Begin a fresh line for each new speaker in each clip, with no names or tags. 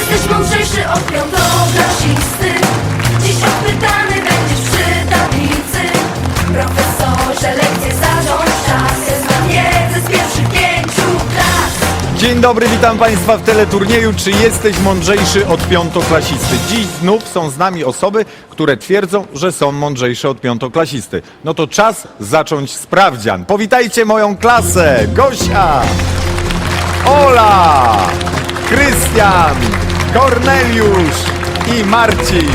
Jesteś mądrzejszy od piątoklasisty. Dziś odpytany będziesz przy tablicy. Profesorze, lekcje zarządź czas. Znam wiedzę z pierwszych 5 klas.
Dzień dobry, witam Państwa w teleturnieju Czy jesteś mądrzejszy od piątoklasisty? Dziś znów są z nami osoby, które twierdzą, że są mądrzejsze od piątoklasisty. No to czas zacząć sprawdzian. Powitajcie moją klasę! Gosia, Ola, Krystian, Korneliusz i Marcin.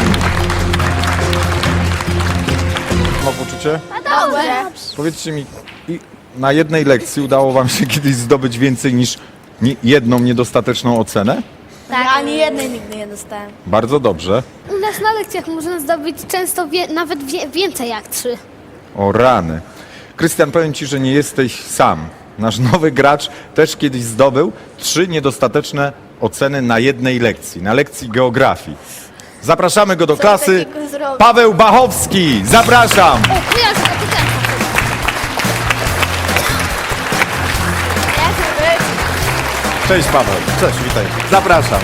Ma poczucie?
Dobrze.
Powiedzcie mi, na jednej lekcji udało Wam się kiedyś zdobyć więcej niż jedną niedostateczną ocenę?
Tak. Ani jednej nigdy nie dostałem.
Bardzo dobrze.
U nas na lekcjach można zdobyć często nawet więcej jak 3.
O rany. Krystian, powiem Ci, że nie jesteś sam. Nasz nowy gracz też kiedyś zdobył 3 niedostateczne oceny na jednej lekcji, na lekcji geografii. Zapraszamy go do klasy.
takiego zrobił?
Paweł Bachowski, zapraszam.
O, kojarzę, to ten.
Cześć Paweł.
Cześć, witaj.
Zapraszam.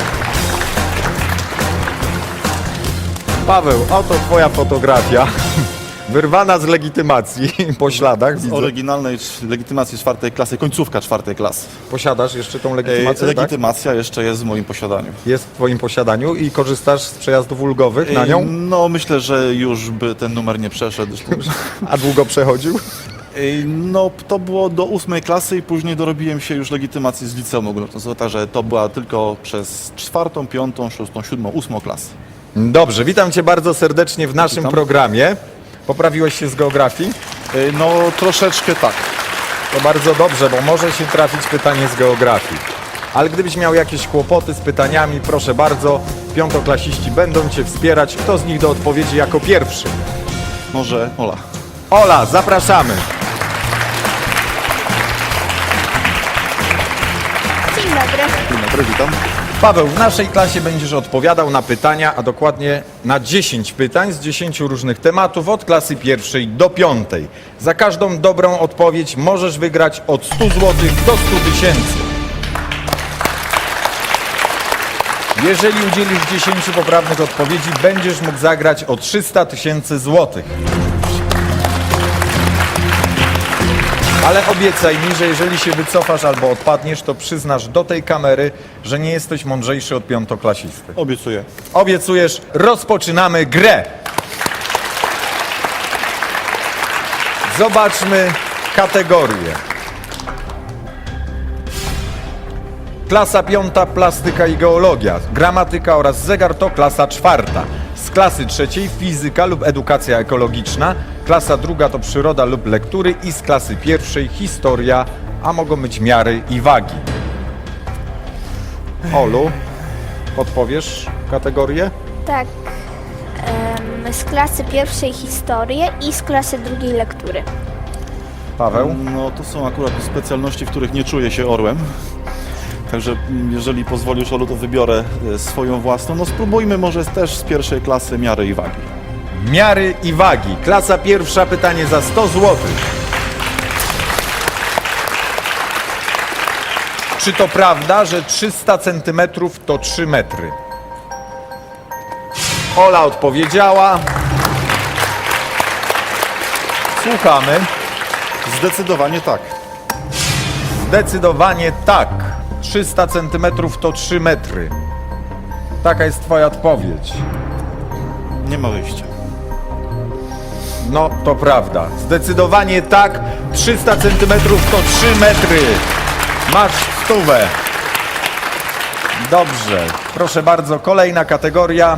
Paweł, oto Twoja fotografia. Wyrwana z legitymacji po śladach.
Z
Widzę.
oryginalnej legitymacji 4 klasy, końcówka 4 klasy.
Posiadasz jeszcze tą legitymację, tak?
Legitymacja jeszcze jest w moim posiadaniu.
Jest w Twoim posiadaniu i korzystasz z przejazdów ulgowych na nią?
No, myślę, że już by ten numer nie przeszedł.
A długo przechodził?
No, to było do 8 klasy i później dorobiłem się już legitymacji z liceum ogólnopolskiego, także to była tylko przez 4., 5., 6., 7., 8 klasę.
Dobrze, witam Cię bardzo serdecznie w naszym
Witam.
programie. Poprawiłeś się z geografii?
No, troszeczkę tak.
To bardzo dobrze, bo może się trafić pytanie z geografii. Ale gdybyś miał jakieś kłopoty z pytaniami, proszę bardzo, piątoklasiści będą Cię wspierać. Kto z nich do odpowiedzi jako pierwszy?
Może Ola.
Ola, zapraszamy.
Dzień dobry.
Dzień dobry, witam.
Paweł, w naszej klasie będziesz odpowiadał na pytania, a dokładnie na 10 pytań z 10 różnych tematów od klasy 1 do 5. Za każdą dobrą odpowiedź możesz wygrać od 100 zł do 100 tysięcy. Jeżeli udzielisz 10 poprawnych odpowiedzi, będziesz mógł zagrać o 300 tysięcy złotych. Ale obiecaj mi, że jeżeli się wycofasz albo odpadniesz, to przyznasz do tej kamery, że nie jesteś mądrzejszy od piątoklasisty.
Obiecuję.
Obiecujesz, rozpoczynamy grę. Zobaczmy kategorie. Klasa 5, plastyka i geologia, gramatyka oraz zegar to klasa 4. Z klasy 3 fizyka lub edukacja ekologiczna, klasa 2 to przyroda lub lektury i z klasy 1 historia, a mogą być miary i wagi. Olu, podpowiesz kategorię?
Tak. Z klasy 1 historię i z klasy 2 lektury.
Paweł?
No, to są akurat specjalności, w których nie czuję się orłem. Także jeżeli pozwolisz, Olu, to wybiorę swoją własną. No spróbujmy może też z 1 klasy miary i wagi.
Miary i wagi. Klasa 1, pytanie za 100 zł. Czy to prawda, że 300 cm to 3 metry? Ola odpowiedziała. Słuchamy.
Zdecydowanie tak.
Zdecydowanie tak. 300 cm to 3 metry. Taka jest Twoja odpowiedź.
Nie ma wyjścia.
No, to prawda. Zdecydowanie tak. 300 cm to 3 metry. Masz 100. Dobrze. Proszę bardzo, kolejna kategoria.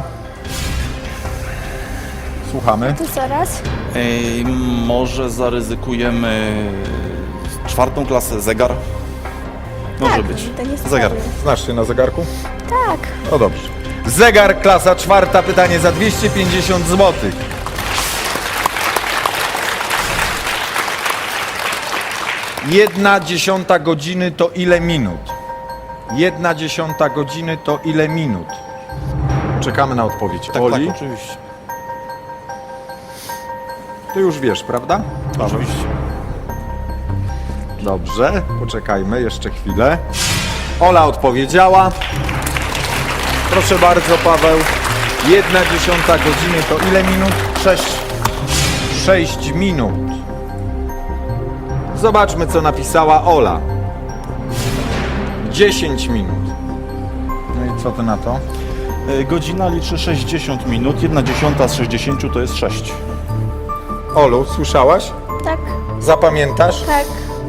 Słuchamy.
To zaraz.
Może zaryzykujemy 4 klasę, zegar? Może
Tak,
być.
to nie
Zegar.
sprawy.
Znasz się na zegarku?
Tak.
No dobrze. Zegar, klasa 4, pytanie za 250 zł. Jedna dziesiąta godziny to ile minut? 1/10 godziny to ile minut? Czekamy na odpowiedź.
Tak,
Oli,
tak, oczywiście.
ty już wiesz, prawda?
Oczywiście.
Dobrze, poczekajmy jeszcze chwilę. Ola odpowiedziała. Proszę bardzo, Paweł. 1/10 godziny to ile minut? 6 minut. Zobaczmy, co napisała Ola. 10 minut. No i co ty na to?
Godzina liczy 60 minut, 1/10 z 60 to jest 6.
Olu, słyszałaś?
Tak,
Zapamiętasz?
tak.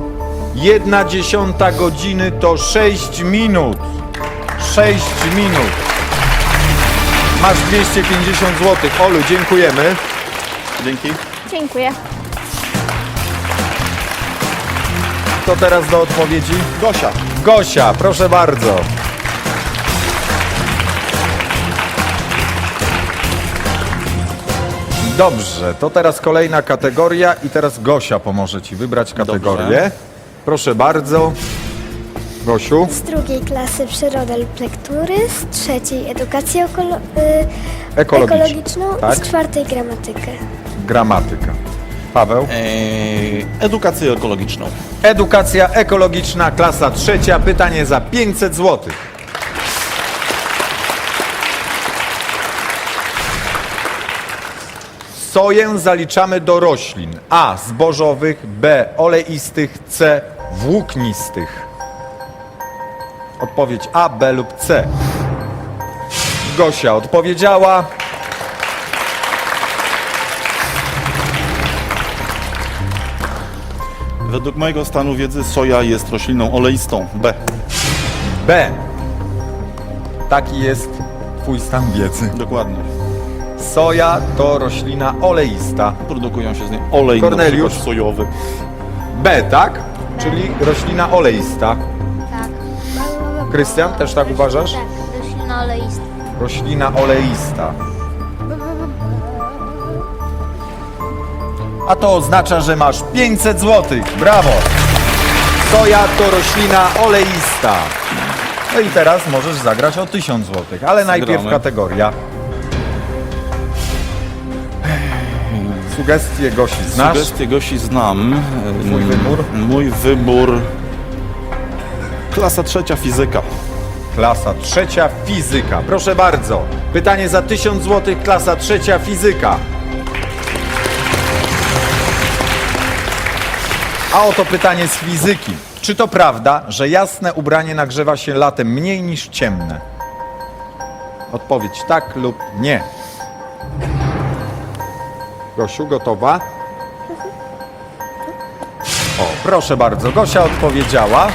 1/10 godziny to 6 minut. 6 minut. Masz 250 zł. Olu, dziękujemy.
Dzięki.
Dziękuję.
To teraz do odpowiedzi.
Gosia.
Gosia, proszę bardzo. Dobrze, to teraz kolejna kategoria i teraz Gosia pomoże Ci wybrać kategorię.
Dobrze.
Proszę bardzo. Gosiu,
Z drugiej klasy przyrodę lub lektury, z trzeciej edukację ekologiczną
Tak.
i z czwartej gramatykę.
gramatyka. Paweł.
Edukację ekologiczną.
Edukacja ekologiczna, klasa 3. Pytanie za 500 zł. Soję zaliczamy do roślin A. Zbożowych, B. Oleistych, C. Włóknistych. Odpowiedź A, B lub C. Gosia odpowiedziała.
Według mojego stanu wiedzy soja jest rośliną oleistą. B.
B. Taki jest Twój stan wiedzy.
Dokładnie.
Soja to roślina oleista.
Produkują się z niej olej,
Korneliusz?
na przykład sojowy.
B, tak? Czyli roślina oleista.
Tak.
Krystian, też tak uważasz?
Tak, roślina oleista.
Roślina oleista. A to oznacza, że masz 500 zł. Brawo! Soja to roślina oleista. No i teraz możesz zagrać o 1000 zł, ale najpierw kategoria. Sugestie Gosi znasz?
Sugestie Gosi znam.
Twój wybór?
Mój wybór. Klasa 3 fizyka.
Klasa 3 fizyka. Proszę bardzo. Pytanie za 1000 zł, klasa 3 fizyka. A oto pytanie z fizyki. Czy to prawda, że jasne ubranie nagrzewa się latem mniej niż ciemne? Odpowiedź tak lub nie. Gosiu, gotowa? O, proszę bardzo. Gosia odpowiedziała.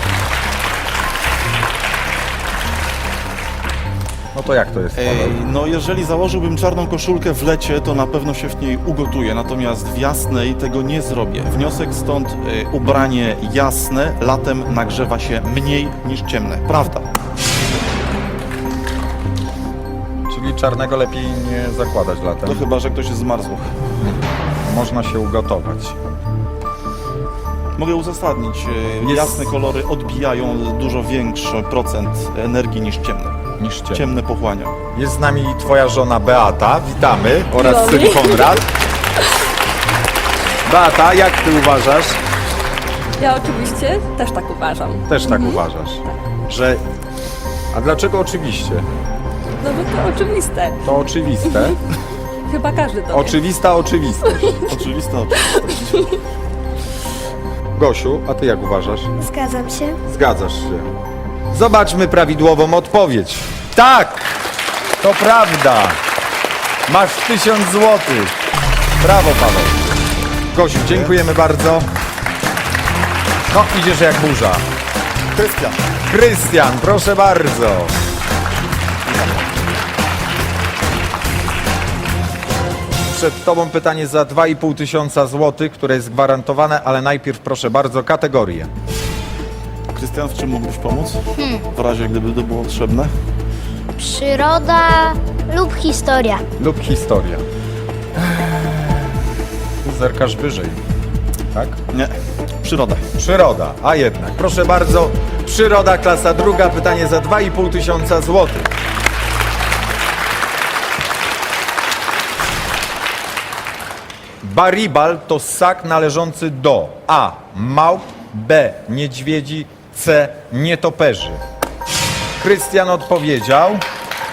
No to jak to jest, Paweł?
No jeżeli założyłbym czarną koszulkę w lecie, to na pewno się w niej ugotuję, natomiast w jasnej tego nie zrobię. Wniosek stąd, ubranie jasne latem nagrzewa się mniej niż ciemne. Prawda.
Czyli czarnego lepiej nie zakładać latem.
To chyba, że ktoś jest zmarzł.
Można się ugotować.
Mogę uzasadnić.
Jest-
Jasne kolory odbijają dużo większy procent energii niż ciemne.
Niż ciemne.
Ciemne pochłania.
Jest z nami twoja żona Beata, witamy, oraz syn Konrad. Beata, jak ty uważasz?
Ja oczywiście też tak uważam.
Też tak uważasz, że... A dlaczego oczywiście?
No bo to oczywiste.
To oczywiste.
Chyba każdy to wie.
Oczywista oczywistość.
Oczywista.
Gosiu, a ty jak uważasz?
Zgadzam się.
Zgadzasz się. Zobaczmy prawidłową odpowiedź. Tak! To prawda! Masz 1000 zł. Brawo, Paweł. Gosiu, dziękujemy bardzo. No, idziesz jak burza.
Krystian.
Krystian, proszę bardzo. Przed tobą pytanie za 2500 zł, które jest gwarantowane, ale najpierw proszę bardzo kategorię.
Krystian, w czym mógłbyś pomóc? W razie, gdyby to było potrzebne.
Przyroda lub historia.
Lub historia. Zerkasz wyżej, tak?
Nie. Przyroda.
Przyroda, a jednak. Proszę bardzo, przyroda, klasa 2, pytanie za 2500 zł. Baribal to ssak należący do A. Małp, B. Niedźwiedzi, C. Nietoperzy. Krystian odpowiedział.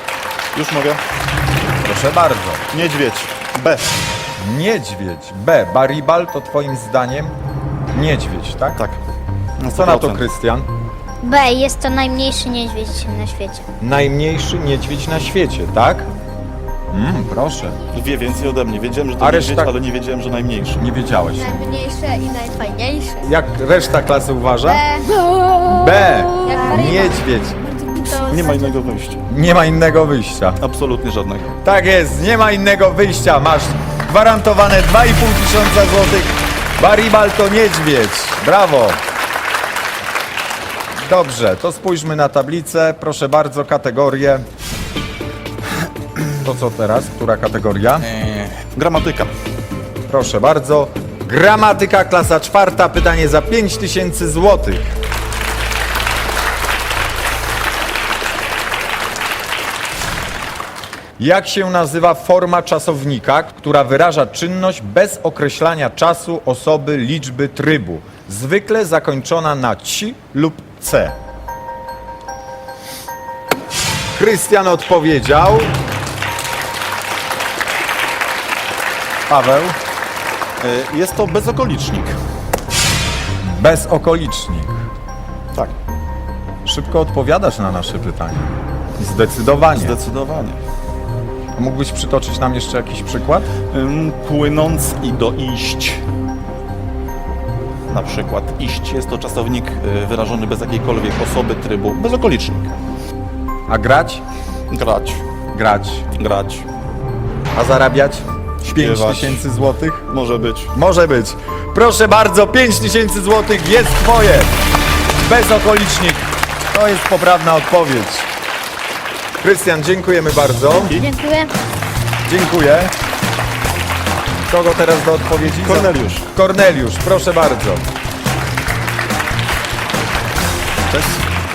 Już mogę.
Proszę bardzo.
Niedźwiedź. B.
Niedźwiedź. B. Baribal to twoim zdaniem niedźwiedź, tak?
Tak. Na
Co na to,
100%.
Krystian?
B. Jest to najmniejszy niedźwiedź na świecie.
Najmniejszy niedźwiedź na świecie, tak? Proszę.
Wie więcej ode mnie. Wiedziałem, że to
A
niedźwiedź,
reszta-
ale nie wiedziałem, że najmniejszy.
Nie wiedziałeś.
Najmniejsze i najfajniejsze.
Jak reszta klasy uważa? B. Niedźwiedź.
Nie ma innego wyjścia.
Nie ma innego wyjścia.
Absolutnie żadnego.
Tak jest, nie ma innego wyjścia. Masz gwarantowane 2,5 tysiąca złotych. Baribal to niedźwiedź. Brawo. Dobrze, to spójrzmy na tablicę. Proszę bardzo, kategorie. To co teraz? Która kategoria?
Gramatyka.
Proszę bardzo. Gramatyka, klasa 4. Pytanie za 5000 złotych. Jak się nazywa forma czasownika, która wyraża czynność bez określania czasu, osoby, liczby, trybu, zwykle zakończona na ci lub c? Krystian odpowiedział. Paweł?
Jest to bezokolicznik.
Bezokolicznik.
Tak.
Szybko odpowiadasz na nasze pytanie. Zdecydowanie.
Zdecydowanie.
Mógłbyś przytoczyć nam jeszcze jakiś przykład?
Płynąc i doiść. Na przykład iść. Jest to czasownik wyrażony bez jakiejkolwiek osoby, trybu. Bezokolicznik.
A grać?
Grać.
Grać.
Grać.
A zarabiać? 5
Śpiewać.
tysięcy złotych?
Może być.
Może być. Proszę bardzo, 5 tysięcy złotych jest twoje. Bezokolicznik. To jest poprawna odpowiedź. Krystian, dziękujemy bardzo.
Dziękuję.
Dziękuję. Kogo teraz do odpowiedzi?
Korneliusz.
Korneliusz, proszę bardzo.
Cześć.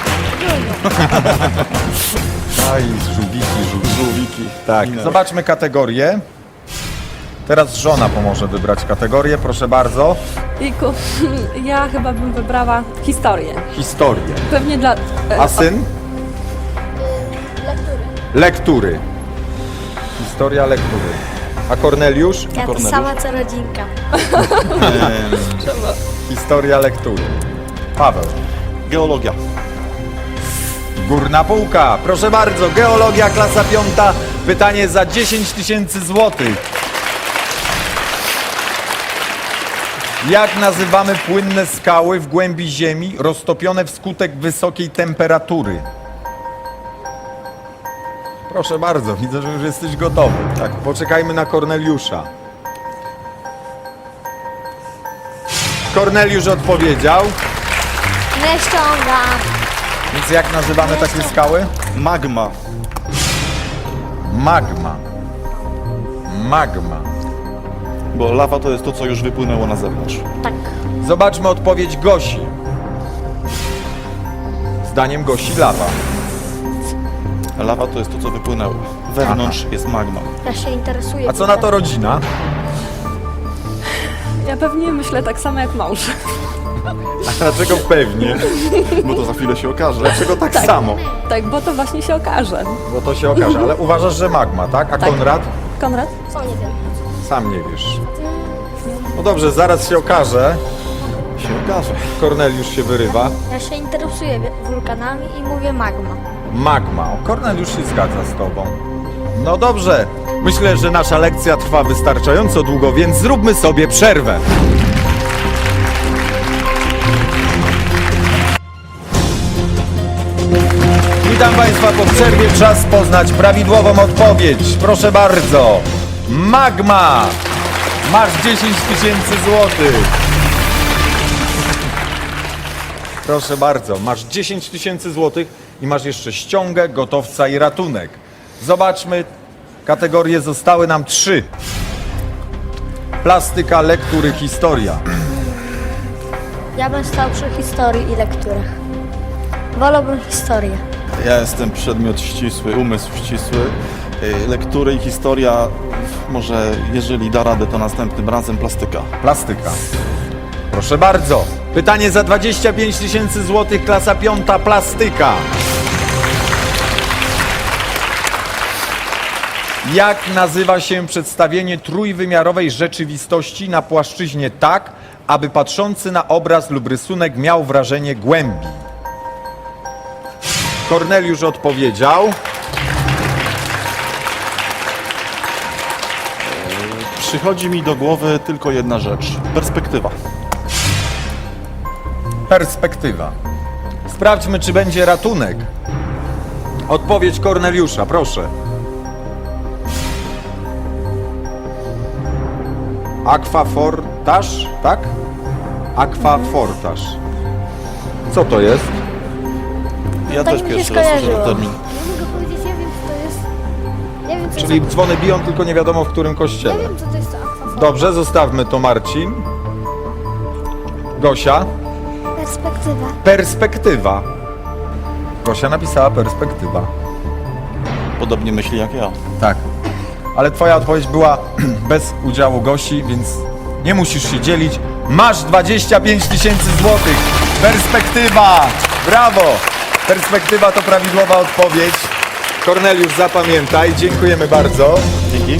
Aj, żółwiki.
Żółwiki.
Tak,
Minęły.
zobaczmy kategorię. Teraz żona pomoże wybrać kategorię, proszę bardzo.
Jejku, ja chyba bym wybrała historię.
Historię.
Pewnie dla...
A syn? Lektury. Historia lektury. A Korneliusz?
Ja to
Korneliusz?
sama co rodzinka.
Historia lektury. Paweł.
Geologia.
Górna półka. Proszę bardzo, geologia, klasa 5. Pytanie za 10 tysięcy złotych. Jak nazywamy płynne skały w głębi ziemi roztopione wskutek wysokiej temperatury? Proszę bardzo, widzę, że już jesteś gotowy. Tak, poczekajmy na Korneliusza. Korneliusz odpowiedział.
Nie ściągam.
Więc jak nazywamy takie skały?
Magma.
Magma. Magma.
Bo lawa to jest to, co już wypłynęło na zewnątrz.
Tak.
Zobaczmy odpowiedź Gosi. Zdaniem Gosi lawa.
Lawa to jest to, co wypłynęło. Wewnątrz jest magma.
Ja się interesuję.
A co na to rodzina?
Ja pewnie myślę tak samo jak mąż.
A dlaczego pewnie?
Bo to za chwilę się okaże.
Dlaczego tak samo?
Tak, bo to właśnie się okaże.
Bo to się okaże. Ale uważasz, że magma, tak? A
Tak.
Konrad?
Konrad?
Co nie wiem.
Sam nie wiesz. No dobrze, zaraz się okaże.
Się okaże.
Korneliusz się wyrywa.
Ja się interesuję wulkanami i mówię magma.
Magma. O, Korneliusz się zgadza z tobą. No dobrze. Myślę, że nasza lekcja trwa wystarczająco długo, więc zróbmy sobie przerwę. Witam Państwa po przerwie. Czas poznać prawidłową odpowiedź. Proszę bardzo. Magma. Masz 10 tysięcy złotych. Proszę bardzo, masz 10 tysięcy złotych i masz jeszcze ściągę, gotowca i ratunek. Zobaczmy, kategorie zostały nam 3. Plastyka, lektury, historia.
Ja bym stał przy historii i lekturach. Wolałbym historię.
Ja jestem przedmiot ścisły, umysł ścisły. Lektury i historia, może jeżeli da radę, to następnym razem plastyka.
Plastyka. Proszę bardzo. Pytanie za 25 tysięcy złotych, klasa 5, plastyka. Jak nazywa się przedstawienie trójwymiarowej rzeczywistości na płaszczyźnie tak, aby patrzący na obraz lub rysunek miał wrażenie głębi? Korneliusz odpowiedział.
Przychodzi mi do głowy tylko jedna rzecz. Perspektywa.
Perspektywa. Sprawdźmy, czy będzie ratunek. Odpowiedź Korneliusza, proszę. Aquafortaż, tak? Aquafortaż. Co to jest?
Ja
Tak
też
mi się
pierwszy raz słyszę
skojarzyło.
ten termin.
Ja mogę powiedzieć, ja wiem co to jest. Ja wiem co,
Czyli dzwony biją, tylko nie wiadomo w którym
ja
kościele.
wiem, co to jest to akwaforta.
Dobrze, zostawmy to, Marcin. Gosia?
Perspektywa.
Perspektywa. Gosia napisała perspektywa.
Podobnie myśli jak ja.
Tak. Ale twoja odpowiedź była bez udziału Gosi, więc nie musisz się dzielić. Masz 25 000 złotych. Perspektywa! Brawo! Perspektywa to prawidłowa odpowiedź. Korneliusz, zapamiętaj. Dziękujemy bardzo.
Dzięki.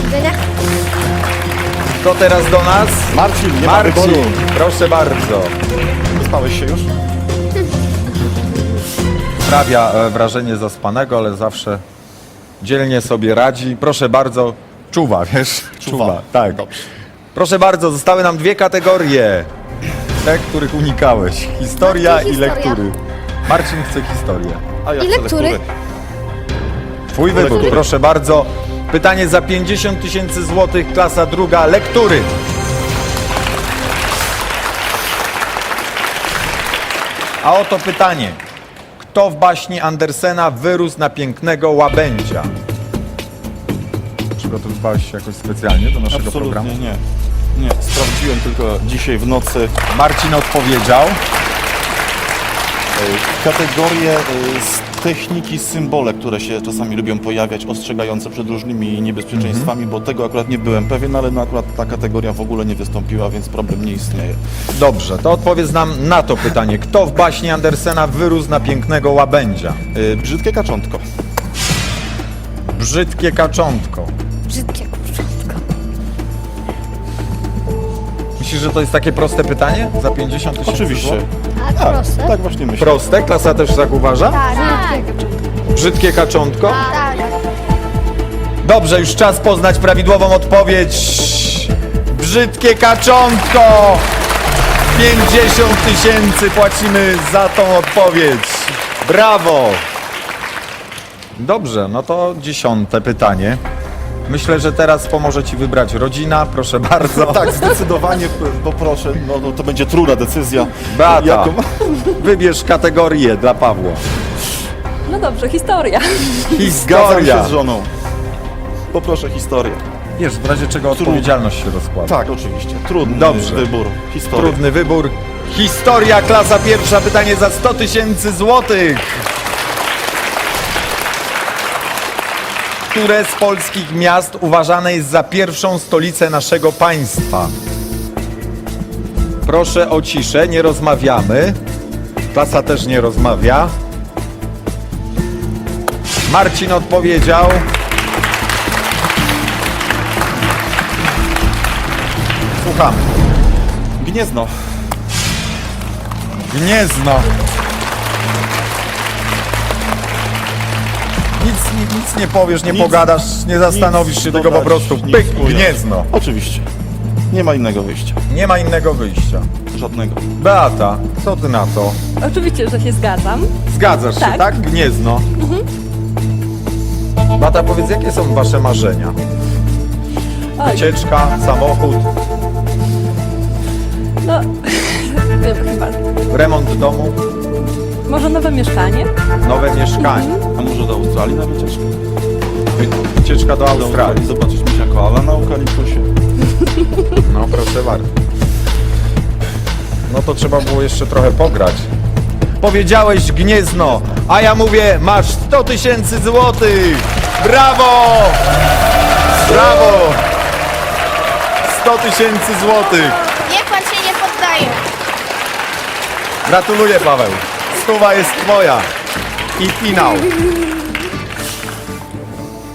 Kto teraz do nas?
Marcin, nie ma
Marcin,
wyboru.
proszę bardzo.
Wyspałeś się już?
Sprawia wrażenie zaspanego, ale zawsze dzielnie sobie radzi. Proszę bardzo, czuwa, wiesz?
Czuwa.
tak.
Dobrze.
Proszę bardzo, zostały nam dwie kategorie. Te, których unikałeś. Historia
Marcin,
i
historia.
lektury. Marcin chce historię.
A ja
I
chcę
lektury?
lektury.
Twój wybór,
Lektury.
proszę bardzo. Pytanie za 50 000 złotych, klasa druga, lektury. A oto pytanie. Kto w baśni Andersena wyrósł na pięknego łabędzia? Przygotowywałeś się jakoś specjalnie do naszego programu?
Absolutnie nie. Nie, sprawdziłem tylko dzisiaj w nocy
Marcin odpowiedział.
kategorie z techniki, symbole, które się czasami lubią pojawiać, ostrzegające przed różnymi niebezpieczeństwami, bo tego akurat nie byłem pewien, ale no akurat ta kategoria w ogóle nie wystąpiła, więc problem nie istnieje.
Dobrze, to odpowiedz nam na to pytanie. Kto w baśni Andersena wyrósł na pięknego łabędzia?
Brzydkie kaczątko.
Brzydkie kaczątko.
Brzydkie kurczątko.
Myślisz, że to jest takie proste pytanie? Za 50 000
Oczywiście.
złotych?
A proste?
Tak właśnie myślę.
Proste? Klasa też tak uważa?
Tak.
Brzydkie kaczątko?
Tak.
Dobrze, już czas poznać prawidłową odpowiedź. Brzydkie kaczątko! 50 000 płacimy za tą odpowiedź. Brawo! Dobrze, no to 10. pytanie. Myślę, że teraz pomoże Ci wybrać rodzina, proszę bardzo.
Tak, zdecydowanie poproszę. No to będzie trudna decyzja.
Beata,
Jaką?
wybierz kategorię dla Pawła.
No dobrze, historia.
Zgadzam
Historia.
się z żoną. Poproszę historię.
Wiesz, w razie czego odpowiedzialność się rozkłada.
Tak, oczywiście. Trudny
Dobrze.
wybór. Historia.
Trudny wybór. Historia, klasa pierwsza, pytanie za 100 000 złotych. Które z polskich miast uważane jest za pierwszą stolicę naszego państwa? Proszę o ciszę, nie rozmawiamy. Klasa też nie rozmawia. Marcin odpowiedział. Słuchamy.
Gniezno.
Gniezno. Nic nie powiesz, nie
Nic-
pogadasz, nie zastanowisz się, tylko po
dodać,
prostu
nic
pyk,
ująć.
Gniezno.
Oczywiście. Nie ma innego wyjścia.
Nie ma innego wyjścia.
Żadnego.
Beata, co ty na to?
Oczywiście, że się zgadzam.
Zgadzasz się,
Tak.
tak? Gniezno. Beata, powiedz, jakie są wasze marzenia?
Oj,
Wycieczka, samochód,
no, wiem chyba.
remont domu,
Może nowe mieszkanie?
nowe mieszkanie.
A może do Australii na wycieczkę?
Wycieczka do
Do
Australii.
Zobaczyć misiaka Ala na eukaliptusie.
No proszę bardzo. No to trzeba było jeszcze trochę pograć. Powiedziałeś Gniezno, a ja mówię, masz 100 000 złotych. Brawo! Brawo! 100 000 złotych.
Niech pan się nie poddaje.
Gratuluję, Paweł. Stuwa jest twoja. I finał.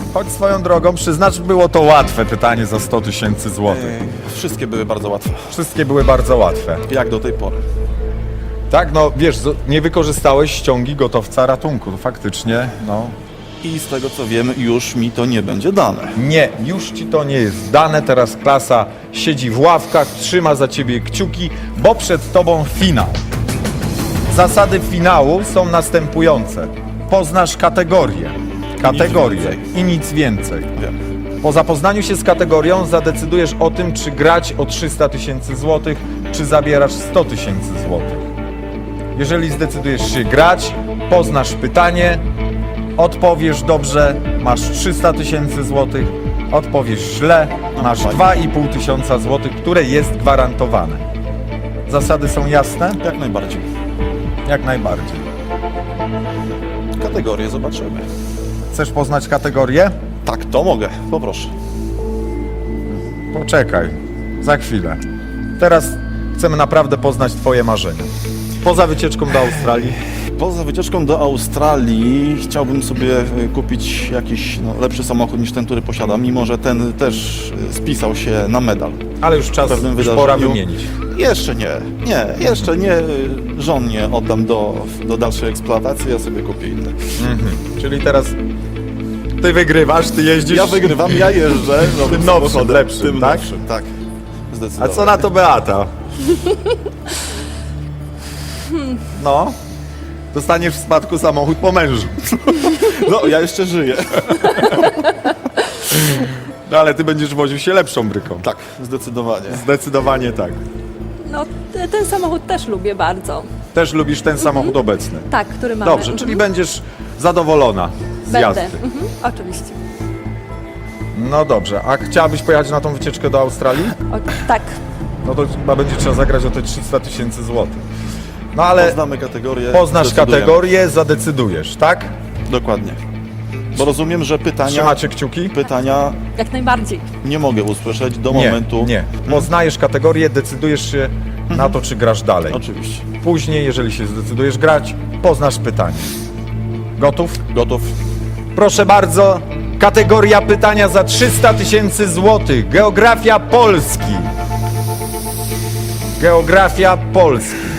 Choć swoją drogą, przyznacz, było to łatwe pytanie za 100 tysięcy złotych.
Wszystkie były bardzo łatwe,
Wszystkie były bardzo łatwe.
jak do tej pory.
Tak, no wiesz, nie wykorzystałeś ściągi gotowca ratunku. Faktycznie, no
I z tego co wiem, już mi to nie będzie dane.
nie, już ci to nie jest dane. Teraz klasa siedzi w ławkach, trzyma za ciebie kciuki, bo przed tobą finał. Zasady finału są następujące. Poznasz kategorię. Kategorię
więcej.
i nic więcej.
Wiem.
Po zapoznaniu się z kategorią zadecydujesz o tym, czy grać o 300 tysięcy złotych, czy zabierasz 100 tysięcy złotych. Jeżeli zdecydujesz się grać, poznasz pytanie, odpowiesz dobrze, masz 300 tysięcy złotych, odpowiesz źle, masz 2,5 tysiąca złotych, które jest gwarantowane. Zasady są jasne?
Jak najbardziej.
Jak najbardziej.
Kategorię zobaczymy.
Chcesz poznać kategorię?
Tak, to mogę. Poproszę.
Poczekaj, za chwilę. Teraz chcemy naprawdę poznać twoje marzenia. Poza wycieczką do Australii,
Poza wycieczką do Australii chciałbym sobie kupić jakiś lepszy samochód niż ten, który posiadam, mimo że ten też spisał się na medal.
ale już czas,
W pewnym
już pora
wydarzeniu.
wymienić.
Jeszcze nie, jeszcze nie. Żonie oddam do dalszej eksploatacji, ja sobie kupię inny.
Czyli teraz ty wygrywasz, ty jeździsz.
Ja wygrywam, ja jeżdżę
Tym nowszym,
samochodem,
lepszym,
tym
tak?
nowszym, tak.
A
Zdecydowanie.
co na to Beata? No, dostaniesz w spadku samochód po mężu.
No, ja jeszcze żyję.
No ale ty będziesz woził się lepszą bryką.
Tak, zdecydowanie.
Zdecydowanie tak.
No, ten samochód też lubię bardzo.
Też lubisz ten samochód obecny.
Tak, który mamy.
Dobrze, czyli będziesz zadowolona z
Będę.
jazdy.
Oczywiście.
No dobrze, a chciałabyś pojechać na tą wycieczkę do Australii?
Tak.
No to chyba będzie trzeba zagrać o te 300 tysięcy złotych. No ale
Poznamy kategorię.
poznasz
zdecydujemy.
kategorię, zadecydujesz, tak?
Dokładnie. Bo rozumiem, że
Trzymacie kciuki?
pytania
Jak najbardziej.
nie mogę usłyszeć do
Nie,
momentu.
nie. Poznajesz kategorię, decydujesz się na to, czy grasz dalej.
Oczywiście.
Później, jeżeli się zdecydujesz grać, poznasz pytanie. Gotów?
Gotów.
Proszę bardzo, kategoria pytania za 300 tysięcy złotych. Geografia Polski. Geografia Polski.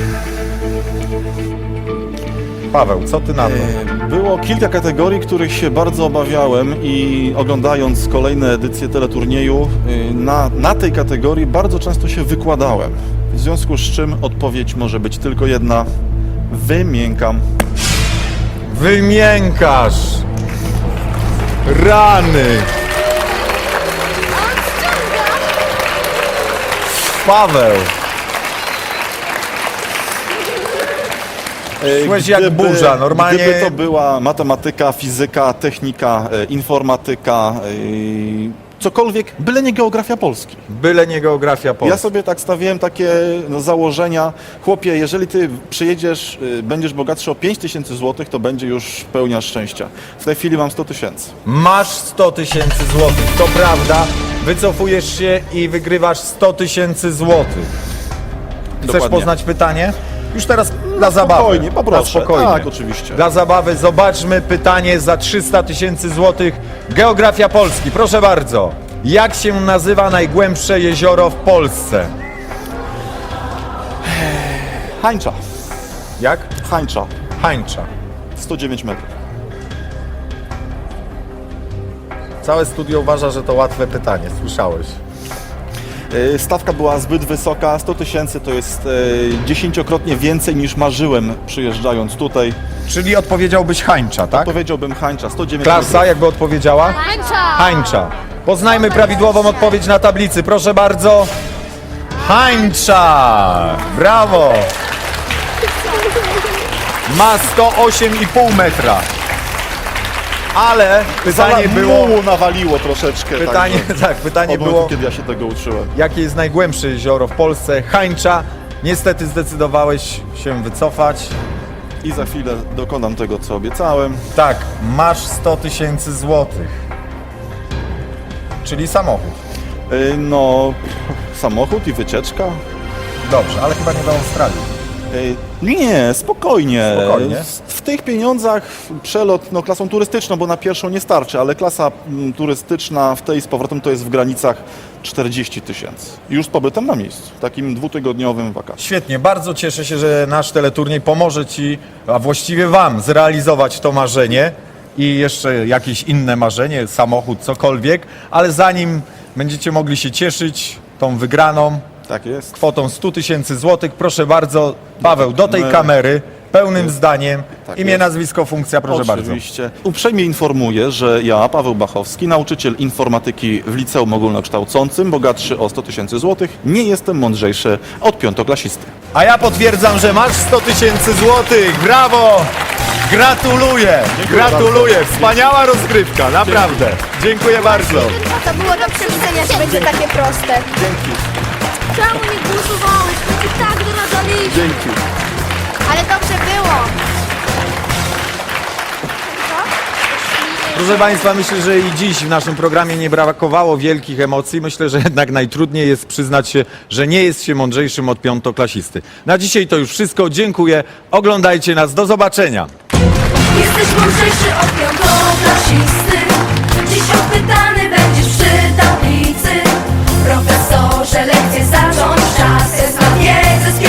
Paweł, co ty na to?
Było kilka kategorii, których się bardzo obawiałem i oglądając kolejne edycje teleturnieju, na tej kategorii bardzo często się wykładałem. W związku z czym odpowiedź może być tylko jedna. Wymiękam.
Wymiękasz! Rany! Paweł! Szłeś jak burza, normalnie-
Gdyby to była matematyka, fizyka, technika, informatyka, cokolwiek, byle nie geografia Polski.
Byle nie geografia Polski.
Ja sobie tak stawiałem takie założenia. Chłopie, jeżeli ty przyjedziesz, będziesz bogatszy o 5 tysięcy złotych, to będzie już pełnia szczęścia. W tej chwili mam 100 tysięcy.
Masz 100 tysięcy złotych, to prawda. Wycofujesz się i wygrywasz 100 tysięcy złotych. Chcesz
Dokładnie.
poznać pytanie? Już teraz dla zabawy.
Spokojnie, poproszę.
Na spokojnie.
Tak, oczywiście.
Dla zabawy zobaczmy pytanie za 300 tysięcy złotych. Geografia Polski, proszę bardzo. Jak się nazywa najgłębsze jezioro w Polsce?
Hańcza.
Jak?
Hańcza.
Hańcza.
109 metrów.
Całe studio uważa, że to łatwe pytanie. Słyszałeś.
Stawka była zbyt wysoka. 100 tysięcy to jest 10-krotnie więcej niż marzyłem przyjeżdżając tutaj.
Czyli odpowiedziałbyś Hańcza, tak?
Powiedziałbym Hańcza. 109
Klasa
metrów.
jakby odpowiedziała?
Hańcza!
Hańcza. Poznajmy prawidłową odpowiedź na tablicy. Proszę bardzo. Hańcza! Brawo! Ma 108,5 metra. Ale pytanie było...
Mułu nawaliło troszeczkę.
Pytanie,
także
tak, pytanie
od momentu,
było,
kiedy ja się tego uczyłem.
jakie jest najgłębsze jezioro w Polsce? Hańcza. Niestety zdecydowałeś się wycofać.
I za chwilę dokonam tego, co obiecałem.
Tak, masz 100 tysięcy złotych. Czyli samochód.
No, samochód i wycieczka.
Dobrze, ale chyba nie do Australii.
Nie, spokojnie.
Spokojnie.
W tych pieniądzach przelot klasą turystyczną, bo na pierwszą nie starczy, ale klasa turystyczna w tej z powrotem to jest w granicach 40 000. Już z pobytem na miejscu, takim dwutygodniowym wakacjom.
Świetnie, bardzo cieszę się, że nasz teleturniej pomoże Ci, a właściwie Wam, zrealizować to marzenie i jeszcze jakieś inne marzenie, samochód, cokolwiek, ale zanim będziecie mogli się cieszyć tą wygraną
Tak jest.
kwotą 100 000 złotych, proszę bardzo, Paweł, do tej
My-
kamery, pełnym zdaniem,
Tak
imię,
jest.
nazwisko, funkcja, proszę bardzo.
Oczywiście. Uprzejmie informuję, że ja, Paweł Bachowski, nauczyciel informatyki w liceum ogólnokształcącym, bogatszy o 100 000 złotych, nie jestem mądrzejszy od piątoklasisty.
A ja potwierdzam, że masz 100 000 złotych, brawo! Gratuluję, gratuluję, wspaniała rozgrywka, naprawdę. Dziękuję bardzo.
To było do przewidzenia, że będzie takie proste.
Czemu nie głosowałeś? My i tak doradzaliśmy.
Dzięki.
Ale dobrze było.
Proszę Państwa, myślę, że i dziś w naszym programie nie brakowało wielkich emocji. Myślę, że jednak najtrudniej jest przyznać się, że nie jest się mądrzejszym od piątoklasisty. Na dzisiaj to już wszystko. Dziękuję. Oglądajcie nas. Do zobaczenia.
Jesteś mądrzejszy od piątoklasisty. Dziś odpytany będziesz przy tablicy. Profesorze, lekcje zacząć czas. Jest na wiedzę z